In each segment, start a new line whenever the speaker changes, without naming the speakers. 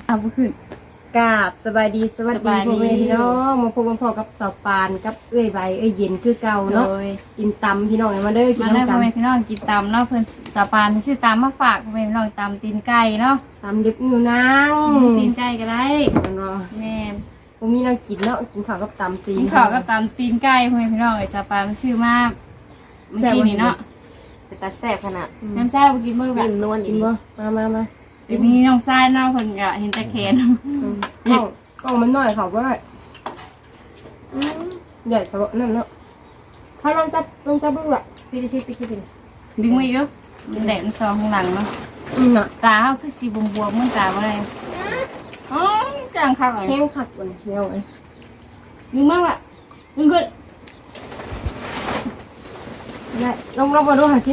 เอาบ่ขึ้น
กราบสบายดีสวัสดีพ่อแม่พี่น้องมาพบมาพอกับสาวปานกับเอ้ยใบเอ้ยเย็นคือเก่าเนาะกินตำพี่น้องมาเด้อกินน้ำตำพ่อแม่
พี่น้องกินตำเนาะเพิ่นสาวปานซื้อตำมาฝากพ่อแม่พี่น้องตำตีนไก่เนาะ
ตำดิบอยู่นาง
ตีนไก่ก็ได้แม่น
บ่มีน้ำกินเนาะกินข้าวกับตำตีน
กินข้าวกับตำตีนไก่พ่อแม่พี่น้องสาวปานซื้อมาเมื่อกี้นี่เนาะ
เป็นตาแซ่บขนาด
น้ำจ้าบ่กินมื้อแบบ
นวล
กินบ่มา
เดี๋ยวมีน้องชายเนาะเพิ่นก็เห็นแต่แขน
กล้องมันน้อยเขาบ่ได้ใหญ่กว่านั่นเนาะถ้าลองจับดูอ่ะ
พี่ที่พี่ดึง
มืออีกเด้อมันแดดมันซองข้างหลังเนาะ
น่ะ
ตาเฮาคือสีบวมๆเหมือนตาบ่ได้อ๋อจังคักอ่ะ
แห้งคักกว่านี้เนาะ
ดึงมั่งล่ะดึงขึ้น
ได้ลองมาดูหาสิ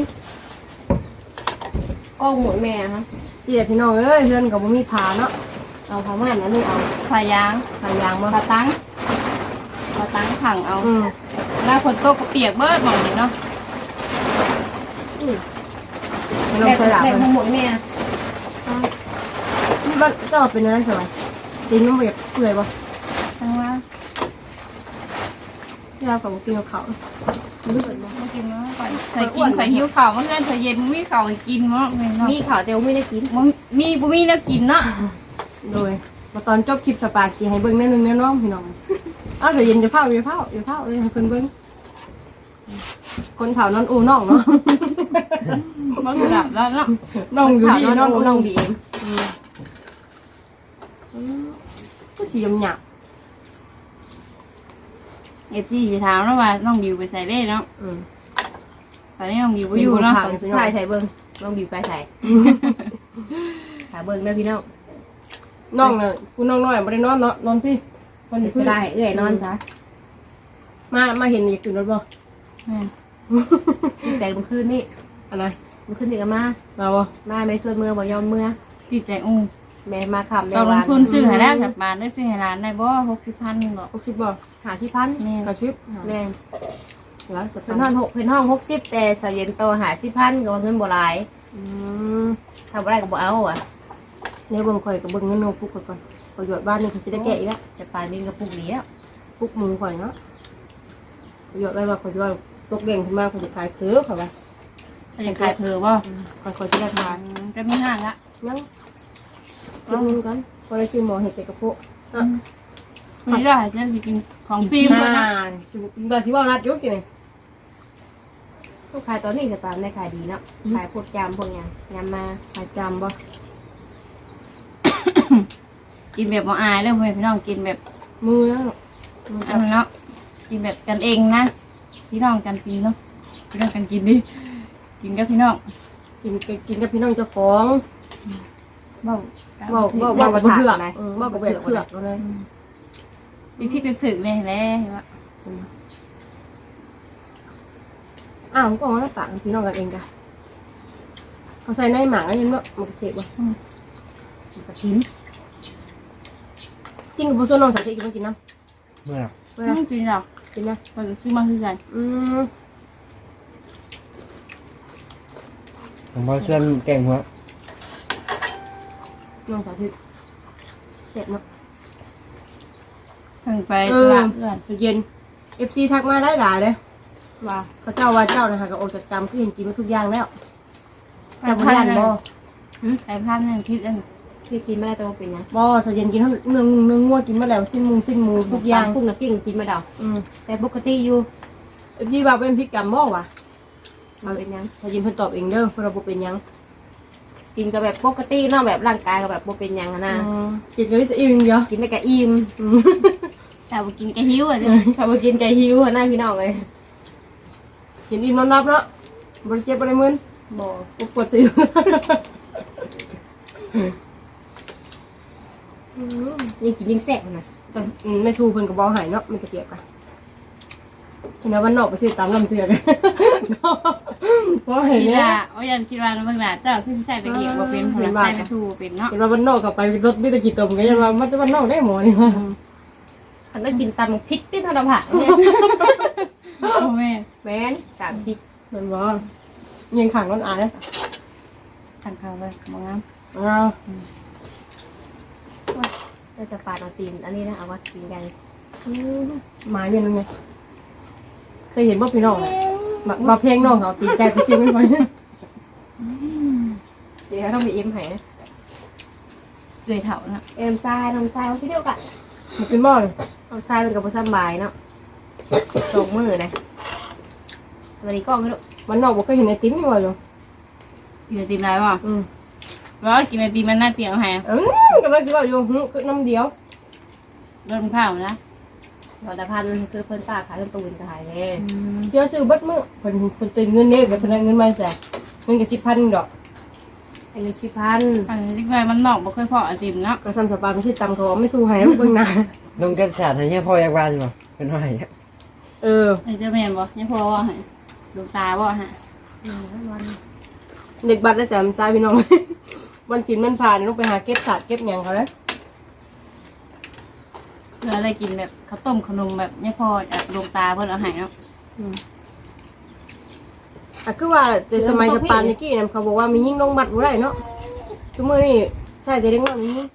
กล้องหมุนแม่ฮะ
เจี๊ยพี่น้องเอ้ยเพื่อนก็บ่มีผ้าเนาะเอาผ้าม่านอันนี้เอา
ผ้ายาง
มา
ผ้าตั้งขังเอาแล้วฝนตกก็เปียกเบิดหมองนี่เนาะ
ไม่ต้องใส่หลับเลย
หมุนแม่
นี่บ้านเจ้าเป็นอะไรสมัยตีนมันแบบเปื่อยป่ะ
ทั้งว่า
ที่เราของกินกับเขา
รู้สึกบ่กินเนาะก่อนเคยกินเคยหิวข้าวเมื่อคืนเคยเย็นมีข้าวกินเนาะ
มีข้าวเดียวไม่ได้กิน
มีบ่มีแล้วกินเนาะ
โดยมาตอนจบคลิปสปาชีให้เบิ้งแน่นึงแน่น้องพี่น้องเอาเดี๋ยวเย็นจะเผาเลยให้เพิ่นเบิ้งคนเผานอนอูน้องเนาะ
บ่คือดับแล้วเนาะ
น้องอยู่ดี
น้องบีเอ็ม
ก็สียำหยาบ
FC สิถามเนาะว่าน้องบิวไปใส่เด้เนาะตอนนี้น้องบิวบ่อยู่เนาะ
ถ่ายใส่เบิ้งน้องบีไปใส่ถ่ายเบิ้งด้วยพี่น้อง
น้องเนี่ยคุณน้องน้อยไม่ได้นอนเนาะนอนพี่
คนจะได้เอื้อยนอนซะ
มาเห็นอีกจุดรถบ่
ใจมันขึ้นนี่
อะไร
มันขึ้นนี่ก็มา
บ่
มาไม่ชวนเมื่อบ่ยอมเมื่อ
พี่ใจอู้
แม่มาคำใน
วันตอนลงทุนซื้อให้ได้สักบาทได้ซื้อให้ร้านได้บ่ 60,000 บ่
60บ่
50,000
แม่
แม่แล้วเพิ่นห้อง60แต่เสาเย็นโต50,000ก็เงินบ่หลายทำบ่ได้ก็บ่เอาอ่ะ
เนี่ยเบิ่งข่อยกับเบิ่งเงินโนปุกก่อนประโยชน์บ้านนี่เขาจะได้แกะอีกแล้ว
จะปลายมีกระปุกนี้แล้ว
ปุกมือข่อยเนาะประโยชน์ได้ว่าข่อยจะว่าตกเด่งขึ้นมาข่อยจะขายเถือข่อยว่า
เขาจะขายเธอบ่
ข่อยจะได้ขาย
ก็มีห้างละ
ยังกินนึงก่อนพอได้ชิมหมอเห็ดเป็ดกระโปะ
นี่ได้จะกินของฟรีหมดนะ
แบบที่ว่านัดยุกกินเลย
ลูกค้าตอนนี้จะปลาในขายดีเนาะขายพวกจำพวกยำมา
ขายจำบ่
กินแบบบ่อายเลยพี่น้องกินแบบ
มือแล้ว
อันนั้นเนาะกินแบบกันเองนะพี่น้องกันกินเนาะพี่น้องกันกินดิกินกับพี่น้อง
กินกับพี่น้องเจ้าของบอกกับเถื่อนบอกกับเถื่อนเลย
พี่ไปฝึกเลยแหละว่า
ก็เอาแล้วฝากพี่น้องกันเองจ้ะเขาใส่ในหมากแล้วยังว่ามันเสพว่ะกระถิ่นจริงกับผู้ชมน้องสาวที่กินกินน้ำ
เมื่อกินหรอ
กินนะ
มันจะซื้อมาซื้อใจ
ผมว่าเชื่อมแกงหัว
น้องสาวที่เสร็จเนาะ
ถึงไป
ตลาดเย็น FC ทักมาได้หลายเลยว่าเขาเจ้าว่าเจ้านะคะก็ออกจากจำคือเห็นกินมาทุกอย่างแล้ว
แต่พันบ่แต่พันนึงคิดอัน
ที่กินไม่ได้ตัวเป็นยัง
บ่ถ้าเย็นกินทั้งเนื้องัวกินมาแล้วสิ้นมูทุกอย่าง
พุ่งกับกิ้งกินมาเดาแต่ปกติอยู่
พี่ว่าเป็นพิกรรมบ่วะ
มาเป็นยัง
ถ้ายินเพิ่นตอบเองเด้อเพราะเราบ่เป็นยัง
กินกับแบบปกติเนาะแบบร่างกายกับแบบบ่เป็นยังนะ
กินกับวิตามินเดียว
กินได้กับอิ่ม
แต่บ่กินแกหิวอ่ะ
ถ้าบ่กินใจหิวหน้าพี่น้องเลย
กินอิ่มนอนรับเนาะบ่เจ็บบ่ได้มึน
บ่
ปวดติว
ยิ่งกินยิ่งแซ่บนะ
ไม่ทูเพิ่นก็บ่หายเนาะมันก็เปียกอ่ะทีนั้นวันนอกไปซื้อตามลำเตือกเพราะเห็นเนี่ย
ยันคิดว่าเมื่อไหร่เจ้าขึ้นใส่ตะเกียบว่าเป็นผลไม้ทูเป็นเนาะ
เห็นว่าวันนอกกลับไปรถมิตรกิตมก็ยังว่ามันจะวันนอกได้หมอนี่ว่า
ฉันต้องกินตำพริกที่ทอดผักเนี่ย
โอ้
แม่ตำพริก
มันว่ายังขังร้อนอายนะ
ขังเขาเลยมองน้
ำ
เราจะปาดเอาตีนอันนี้นะเอาว่าตีนไก่
หมายเป็นยังไงเคยเห็นบ่พี่น้องมาเพลงน้องเขาตีใจไปเชียงไม่ไหว
เดี๋ยวต้องมีเอ็มให้นะ
เลยเถานะ
เอ็มทรายน้ำทรายว่าที่เดียวกัน
มันเป็นบ่เลย
น้ำทรายเป็นกับผสมบายเนาะส่งมือนะสวัสดีกล้องพี่ลูก
มันนอกบ่เคยเห็นไอติมนี่ว่าอยู่
กินไอติมได้ป่ะแล้วกินไอติมมันน่าเตียงเอาให้
กำลังสิว่าอยู่คือน้ำเดียว
เริ่มข้าวนะ
เราแต่พันคือเพิ่นป้าขายเพิ่นตูนขายเลย
เชื่อซื้อเบัดมื้อเพิ่นตื่นเงินเด้เพิ่นได้เงินมาแสนเงินก็10,000ดอก
อันนี้10,000
อันนี้ไงมันนอกบ่เคยพอไอติมเนาะ
ก็ซ้ำสปาไม่ใช่ตำเขาไม่ถูกให้เบิ่งหน้า
ลงกันศาสตร์ให้เนี่ยพออยากวานบ่เป็นว่าอย่างเงี้ย
ไอเจ้าแม่นบ่ยังพอว่าให้ลูกตาบ่ฮะ
เด็กบัตรได้แสนซ้ายพี่น้อง วันชินมันผ่านต้องไปหาเก็บศาสตร์เก็บหยังเขาแล้ว
เพื่ออะไรกินแบบข้าวต้มขนมแบบยังพอลูกตาเพิ่นเอาให้เนาะ
คือว่าแต่สมัยสปานิกี้เนี่ยเขาบอกว่ามียิ่งลงบัตรบ่ได้เนาะชั่วโมงนี้ใช่จะเรียกว่ามียิ่ง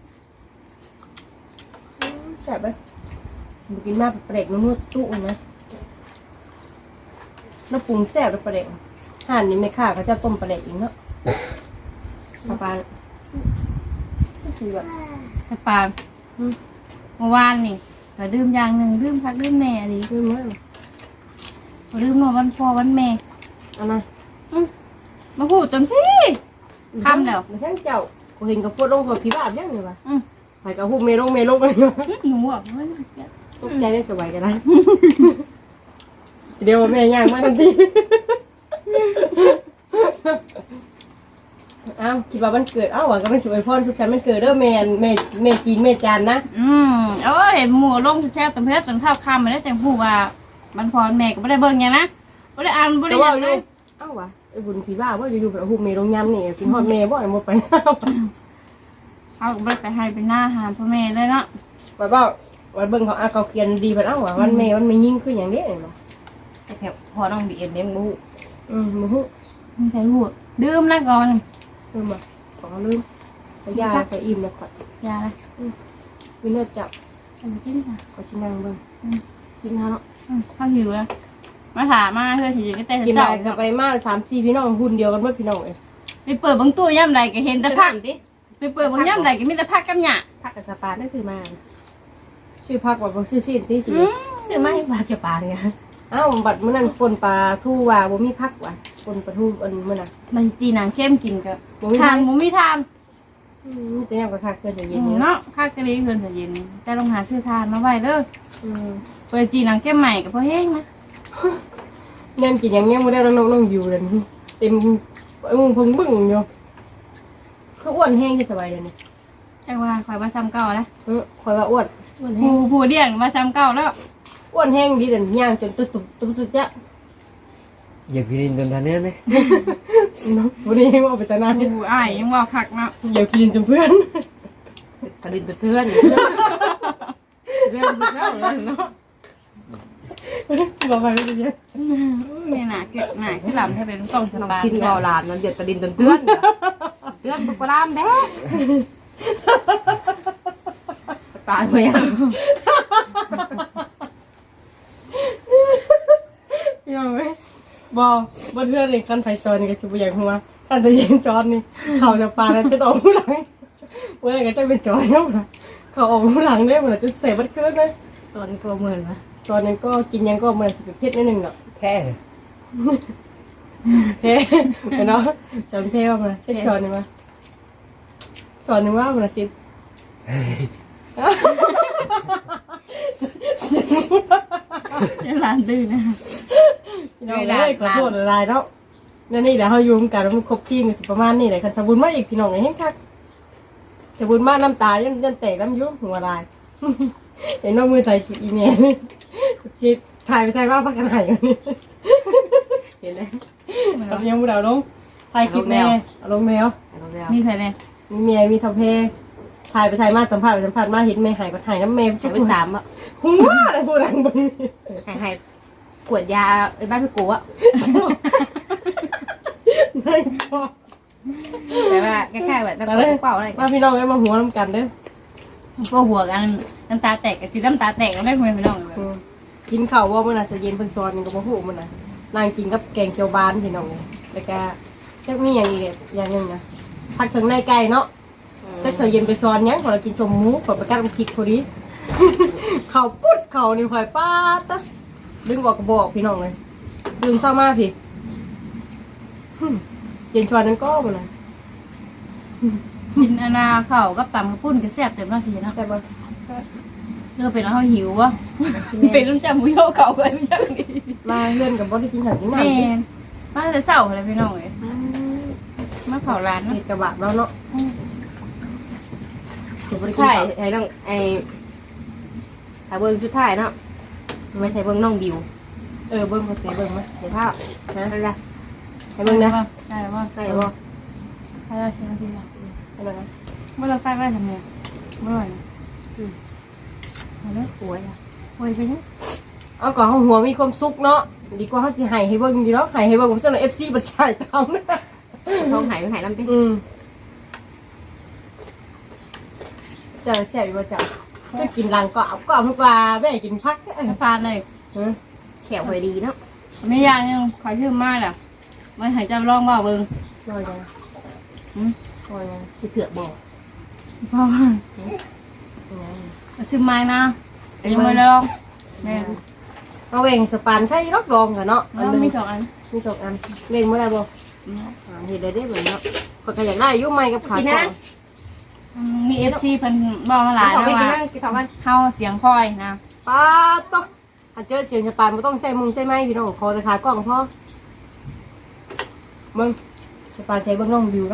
แซ่บไปมากินมาเปรกมันมืดตู้นะน้ำปรุงแซ่บไปเปรกห่านนี่ไม่ค่าเขาจะต้มเปรกอีกเนาะปลาไม่สีแบบ
ไอ้ปานเมื่อวานนี่ก็ดื่มอย่างหนึ่งดื่มพักดื่มแม่ดิ
ลืมไหม
ดื่มเมื่อวันพ่อวันแม่
เอามา
มาพูดจนพี่คำเดียว
มาช่างเจ้ากูเห็นกับโฟดลงหัวผีบ้ายังไงวะ
อืม
ไปกับหูเมลงกันอยู่
หนูอ่ะเฮ้ย
ตกใจได้สบายกันได้ เดี๋ยวแม่ย่างมาทันที อ้าวคิดว่ามันเกิดอ้าวก็ไม่สวยพ่อทุกชั้นมันเกิดเด้อแม่จีนแม่จานนะ
เห็นหมูลงแช่ตำเพชรจนเท่าคำมาได้แต่พูดว่ามันพอแม่ก็ไม่ได้เบิ่งไงนะไม่ได้อ่านไม่ได้ยังเลย
อ้าววะไอ้บุญผีบ้าว่าอยู่ๆแบบหูเมลงยำนี่กินฮอดแม่บ่อยหมดไปน้า
เอาก็ไม่ไปให้เป็นหน้าหาพ่อแม่เลยเนาะ
ว่าเบ้าวันเบิ่งเขาเขาเขียนดีไปอ้าววะวันแม่มันไม่ยิ่งขึ้นอย่างนี้เลยเนาะ
ไอ้แผลพอต้องบีเอ็มเลี้ยงลูก
มึงหู
ไม่ใช่พูดดื่มนะก่อน
ลืมอ่ะขอลืมไปยาไปอิ่มแล้วก่อน
ยาละ
กินเนื้อจับ
เอาไปกินค่ะ
ขอชิ้นนั่งเบิ่งกินฮะเนาะ
ข้าวหิวแล้วมาถามมาเพื่อที่จะได้
กิน
เศร้า
ได้กับไปมา3-4พี่น้องหุ่นเดียวกันเมื่อพี่น้องเอง
ไปเปิดบางตู้ย่ำใดก็เห็นแต่ผัก
ดิ
ไปเปิดบางย่ำใดก็มีแต่ผักกับหญ้า
ผักกับสปาได้ซื้อมา
ชื่อพักว่าบ่ชื่อสิ้นที่สิ
ซื้อมาให้ปลาเกี่ยวปลาเนี่ย
อ้าวบัดมื้อนั้นคนปลาทู่ว่าบ่มีพักว่ะคนปลาทู่อันมื้อน่ะ
มันจีหนังเข้มกินกับ
บ่มี
ทาน
พัก
หมูมีทาน
แต่ยังก็คักเกินจะเย็นนี่
เนาะข้าวกะลีเพิ่นจะเย็นแต่ลองหาซื้อทานมาไว้เด้อ
อืม
เปิดจีหนังเข้มใหม่กับพ่อแห้งนะ
แนมกินอย่างเงี้ยบ่ได้น้องอยู่เลยเต็มพึ่งบึ้งอยู่คืออ้วนแห้งที่สบายเลยนี่
จังว่าคอยมาซ้ำเก่าแล้ว
ข่อยว่าอ้วนแห้ง
ผู้เดียงมาซ้ำเก่าแล้ว
อ้วนแห้งดีเด่นย่างจนตุ๊บๆๆจ้ะ
อย่ากินจนทันเนี้ยเลย
เนาะบ่ได้ว่าไปตะนาน
ผู้อ้ายยังว่าคักเนาะ
เดี๋ยวกินจนเพื่อน
กระดิ่งเทือนเรื่องเล่าเลยเนาะ
บอกไปไม่ได้เยอะ
แม่หนาเก็บหนาขึ้นลำให้เป็นต้องส
น้อง
บาย
ชิ้นเบาหลานมันเดือดกระดิ่งเตือนเตือนบุกรามแด้ตายไปยัง
ยังไหมบ่เทื่อนนี่คันไผซอยนี่ก็สิบ่อยากหัวคันจะเย็นจอนนี่เขาจะปลาแล้วจะออกผู้หลังเมื่อก็จะเป็นจอยแล้วนะเขาออกผู้หลังได้เหมือนจะเสพบัดเกินเลย
ส่วนกลัวเหมือนปะ
จอนนึงก็กินยังก็เหมือนสิเป็นเพชรนิดนึงเนาะ
แค่
เฮ้เนาะจอนเพชรว่ามาเพชรจอนนี่มาจอนนึงว่ามันสิ
เดี๋ยวหลานดื้อนะ
เราเลยขอโทษหลายๆเนาะนี่เดี๋ยวเฮาอยู่กันแล้วมันครบทีมกันสิประมาณนี้แหละคันสบุญมาอีกพี่น้องไอ้เฮ็ดคักสบุญมาน้ำตายันแตกน้ำยุ่งหัวลายเห็นน้องมือใส่จุดอีเมลชิดถ่ายไปถ่ายมาพักกันไหนอยู่นี่เห็นไหมกับยังมูดาวลงถ่ายคลิปแม่เอาลงแมว
มีแผลเนี่ย
มีเมียมีทำเพถ่ายไปถ่ายมาสัมผัสไปสัมผัสมาเห็นแม่หายไปถ่ายน้ำแม่
จะไปสามอ่ะ
หัวอะไรพูดดังบึ้ง
ให้ขวดยาไอ้บ้านพี่กูอ่ะ
นั่นก็
แต่ว่าแค่แบบตะโกนเปล่าอะไร
มาพี่น้องไว้มาหัวน้ำกันเด้อ
พวกหัวกันน้ำตาแตกกับสีน้ำตาแตกก็ได้คุยพี่น้องเลย
กินข้าวว่ามื้อน่ะจะเย็นเพิ่นซอนนี่ก็บ่ฮู้มื้อน่ะนั่งกินกับแกงเขียวบานพี่น้องแล้วก็จะมีอย่างอีกอย่างหนึงนะผัดถึงในไก่เนาะแต่เช้าเย็นไปซอนหยังพอเรากินสมหมูขอไปกัดน้ำพริกพอดี ข้าวปุ๊ดข้าวนี่ข่อยป้าดตะดึงออกก็บอกพี่น้องเลยดื่มเช้ามาพี่เย็นชวนนั้นก็มื้อน่ะ
กินอนาข้าวกับตำข้าวปุ้นก็แซ่บเต็มหน้าทีนะ
แต่บ่
เลือกเป็นแล้วเขาหิววะเป็นน้ำจำมุ้ยเก่าก็ไม่ใช่นี่
มาเลื่อนกับบ่ได้กินข้าวกิน
แม่
น้ำกิน
มาแต่เช้าอะไรพี่น้องเลยมาเผาร้าน
เฮ็
เนาะ
ดกระบะแล้วเนาะเดี๋ยวบ่ได้กิน
ใช่
ข้าว
ไอ้น้องไอ้ถ้าเบิ่งสุดท้ายเนาะไม่ใช่เบิ่งน้องบิว
เบิ่งบ่สิเบิ่งมั้ย
เดี๋ยวภาพนั่นแหละ
ให้เบิ่งนะ
ได้แล้วว่า
ใช่บ่
ได้แล้วใช่ไหมพี่น้อง
ให้เบิ่งนะ
เมื่อเราฟังได้ทำไงเมื่อไหร่มาเลย
ป่วยอ่ะ
โวยไปเนี่ย
เอาก่อนเฮาหัวมีความสุขเนาะดีกว่าเฮาสิให้เบิ่งอยู่เนาะให้เบิ่งบ่ซั่น FC บ่ใช่ตามนะ
ท้องหายไปหายน้ำติ
จะแซ่บอยู่บ่จ้ะจะกินหลังก็เอาก็ทุกว่าแม่กินพัก
ฟานเลย
แขวพอดีเนาะ
ไม่ยากยังขอชื่อมาแหละไม่หายใจร้องว่าเบิ้ง
น้อยจังน้อยจัง
สิเถื่อบอก
พ่อชื่อไม้นะยังไม่ได้ลองแม่
เอาเองสปานไข่รอบรองกันเนาะ
แล้วมีสองอัน
มีสองอันเล่นบ่ได้บ่เฮ็ดได้เหมือนเนาะข้อยก็อยากได้อยู่ใหม่กับขา
กิน
ก่อ
นะ
น
มีเอฟซีเพิ่นบอกมาหลาย
เอา
แล้ว
ไปกิน
ว่า
นะกินท้องกัน
เฮาเสียงคอยนะ
ป้าตอถ้าเจอเสียงสปานบ่ต้องใช้มุงใช้ไม้พี่น้องขอแต่ขากล้องพอมึงสปานใช้เบิ่งน้องวิวแล้ว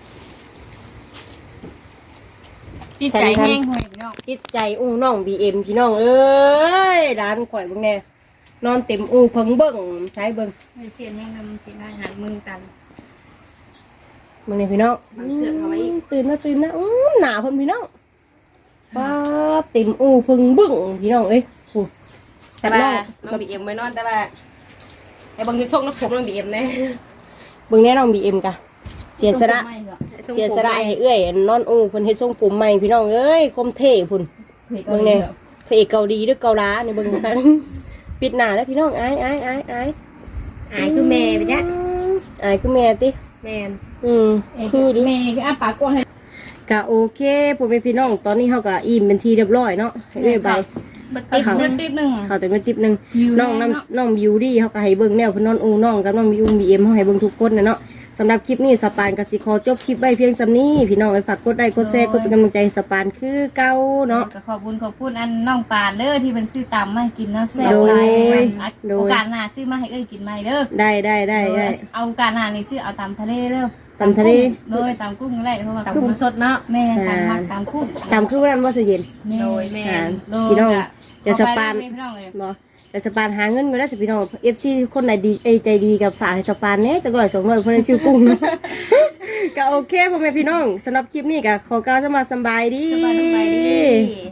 จิตใจแห้งห่วยพี่น้อง
จิตใจอู้น้อง BM พี่น้องเอ้ยร้านข่อยเบิ่งแน่นอนเต็มอู้เพิ่งเบิ่งใช้เบิ่ง
เสียงแห้งนำสีได้หันมือตัน
มึงนี่พี่น้อง
เสือกเข้ามาอีก
ตื่นนะหนาเพิ่นพี่น้องป้าเต็มอู้เพิ่งเบิ่งพี่น้องเอ้ยโอ้
แต่ว่าน้องบีเอ็มไม่นอนแต่ว่าไอ้บางทีโชคน้ำผมน้องบีเอ็มเนี่ย
เบิ่งแน่น้อง BM กะเสียสละให้เอ้ยนอนอู้เพิ่นเฮ็ดทรงผมใหม่พี่น้องเอ้ยคมเท่พุ่นเบิ่งแน่พระเอกเกาหลีหรือเกาหลานี่เบิ่งกัน ปิดหน้าแล้วพี่น้องอาย
อายคือแม่ไปจ้ะ
อายคือแม่ติ
แม่น
คือดิ
เมย์คืออ้าปากกว้างให้
กะโอเคพ่อแม่พี่น้องตอนนี้เฮาก็อิ่มเป็นทีเรียบร้อยเนาะให้เอ้ยไป
ติดหนึ่ง
เขาแต่มาติบหนึง
บิว
น้อง
แน่
น้ำ
เนาะ
น้องบิวดี้เฮาก็ให้เบิ่งแนวเพิ่นนอนอูน้องกับน้องบิวBMเฮาให้เบิ่งทุกคนนะเนาะสำหรับคลิปนี้สปานก็สิขอจบคลิปไว้เพียงส่ำนี้พี่น้องฝากกดไลค์กดแชร์กดเป็นกำลังใจให้สปานคือเก่าเนาะ
ก็ขอบคุณอันน้องปานเด้อที่เป็นซื้อตำมาให้กินเนาะแซ่บ
โดย
หลาย
โดย
โอกาสหน้าซื้อมาให้เอ้ยกินใหม่เด้อ
ได้
เอาโอกาสหน้านี่ซื้อเอาตำทะเลเด้อ
ตำทะเล
เลยตำกุ้งก็ได้เพราะว่า
ตำกุ้งสดเนาะ
แม่ตำผักตำกุ้ง
ตามคือวันนั้นว่าสิเย็น
โดยแม่
พี่น้องเดี๋ยวสปาน
พี่น้องเลย
บ่แต่สปานหาเงินก็ได้สิพี่น้อง FC คนไหนดีใจดีกับฝากให้สปานแหน่จัก100 200เพิ่นได้ซื้อกุ้ง ก็โอเคพ่อแม่พี่น้องสำหรับคลิปนี้ก็ขอกล่าวสำบายดี
สบายดี